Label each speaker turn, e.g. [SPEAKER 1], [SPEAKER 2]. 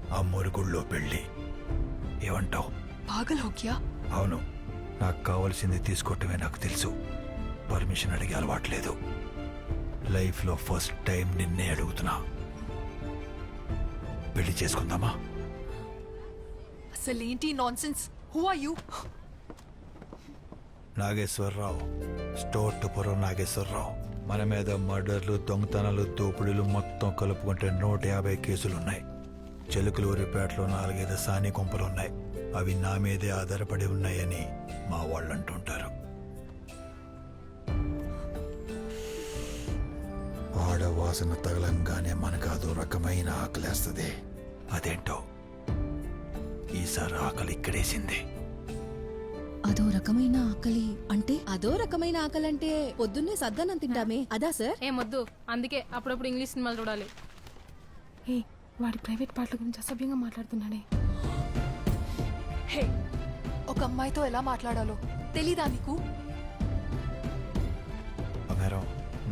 [SPEAKER 1] ఆ మురుగుళ్ళో పెళ్ళి. ఏమంటావు?
[SPEAKER 2] పాగల్ హోగ్యా?
[SPEAKER 1] అవును, నాకు కావాల్సింది తీసుకోవటమే నాకు తెలుసు. పర్మిషన్ అడిగే అలవాట్లేదు. లైఫ్లో ఫస్ట్ టైం నిన్నే అడుగుతున్నా. పెళ్లి చేసుకుందామా?
[SPEAKER 2] అసలేంటి nonsense? Who are you?
[SPEAKER 1] Nageswararao, Stuartpuram Nageswararao. మన మీద మర్డర్లు, దొంగతనాలు, దోపిడీలు మొత్తం కలుపుకుంటే 150 కేసులున్నాయి. చెలుకులూరిపేటలో 4-5 సాని కొంపలున్నాయి. అవి నా మీదే ఆధారపడి ఉన్నాయని మా వాళ్ళు అంటుంటారు. ఆడవాసన తగలంగానే మనకు అదో రకమైన ఆకలేస్తుంది. అదేంటో ఈసారి ఆకలి ఇక్కడేసింది.
[SPEAKER 3] అదో రకమైన ఆకలి అంటే? అదో రకమైన ఆకలి అంటే పొద్దున్నే సద్దన్నం తింటామే అదా సార్?
[SPEAKER 4] ఏమొద్దు, అందుకే అప్పుడప్పుడు ఇంగ్లీష్ సినిమాలు చూడాలి. ఏ వాడి ప్రైవేట్ పాటల గురించి అసభ్యంగా మాట్లాడుతున్నాడే.
[SPEAKER 2] హే, ఒక అమ్మాయితో ఎలా మాట్లాడాలో తెలీదా నీకు?